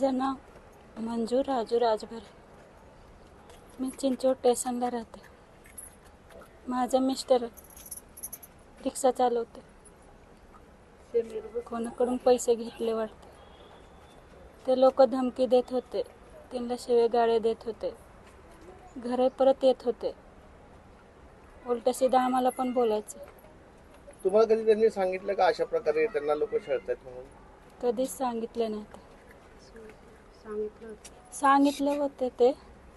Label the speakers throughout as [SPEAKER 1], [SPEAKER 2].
[SPEAKER 1] माझं नाव मंजू राजू राजभर. मी चिंचवड स्टेशनला राहते. माझं मिस्टर रिक्षा चालवते. कोणाकडून पैसे घेतले वाटते. ते लोक धमकी देत होते, त्यांना शिवेगाळे देत होते, घरी परत येत होते, उलट सीधा आम्हाला पण बोलायचे.
[SPEAKER 2] तुम्हाला कधी त्यांनी सांगितलं का अशा प्रकारे त्यांना लोक छळतात म्हणून?
[SPEAKER 1] कधीच सांगितलं नाही. सांगितलं होते ते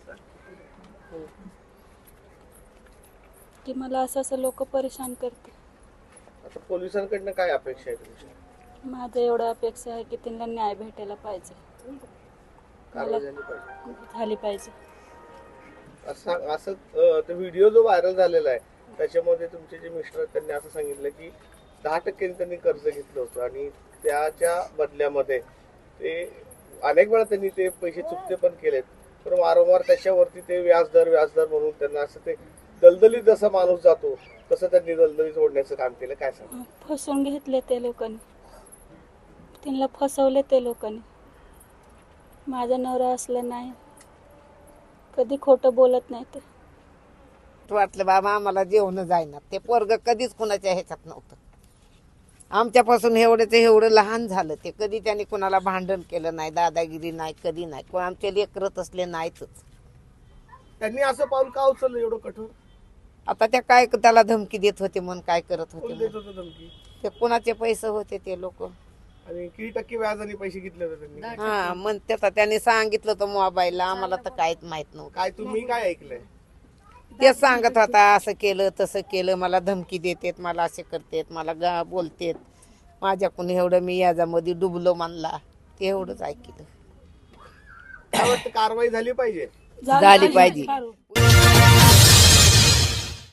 [SPEAKER 1] की मला असं लोक परेशान करते.
[SPEAKER 2] आता पोलिसांकडनं काय अपेक्षा आहे तुमची?
[SPEAKER 1] माझं एवढं अपेक्षा आहे की त्यांना न्याय भेटायला पाहिजे,
[SPEAKER 2] कारवाई झाली पाहिजे.
[SPEAKER 1] झाली पाहिजे.
[SPEAKER 2] असं तो व्हिडिओ जो व्हायरल झालेला आहे त्याच्यामध्ये तुमचे जे मिस्टर आहेत त्यांनी असं सांगितलं की 10% त्यांनी कर्ज घेतलं होतं आणि त्याच्या बदल्यामध्ये ते अनेक वेळा त्यांनी ते पैसे चुकते पण केलेत, पण वारंवार त्याच्यावरती ते व्याजदर म्हणून त्यांना असं ते दलदलीत जसा माणूस जातो तसं त्यांनी दलदलीत ओढण्याचं काम केलं. काय सांग?
[SPEAKER 1] फसवून घेतले ते लोकांनी, त्यांना फसवले ते लोकांनी. माझा नवरा असलं नाही, कधी खोटं बोलत नाही. ते
[SPEAKER 3] वाटलं बाबा आम्हाला जेवण जायना. ते पोरग कधीच कुणाच्या ह्याच्यात नव्हतं. आमच्यापासून एवढं लहान झालं. ते कधी त्यांनी कुणाला भांडण केलं नाही, दादागिरी नाही, कधी नाही. कोण आमचे लेकरं असले नाहीतच.
[SPEAKER 2] त्यांनी असं पाऊल का उचललं एवढं कठोर?
[SPEAKER 3] आता त्या काय त्याला धमकी देत होते म्हणून काय करत
[SPEAKER 2] कोण
[SPEAKER 3] होते
[SPEAKER 2] देत
[SPEAKER 3] म्हणून.
[SPEAKER 2] होतं धमकी?
[SPEAKER 3] ते कुणाचे पैसे होते ते लोक.
[SPEAKER 2] आणि किती टक्के व्याजाने पैसे घेतले होते त्यांनी?
[SPEAKER 3] हा म्हणते आता त्यांनी सांगितलं होतं मोबाईलला. आम्हाला तर काहीच माहित नव्हतं.
[SPEAKER 2] काय तुम्ही काय ऐकलंय?
[SPEAKER 3] ते सांगत होता असं केलं तसं केलं, मला धमकी देतेत, मला असे करतेत, मला बोलतेत. माझ्याकडून एवढं मी याच्यामध्ये डुबलो म्हणला. ते एवढंच ऐकलं.
[SPEAKER 2] काय वाटतं कारवाई झाली पाहिजे?
[SPEAKER 3] झाली पाहिजे.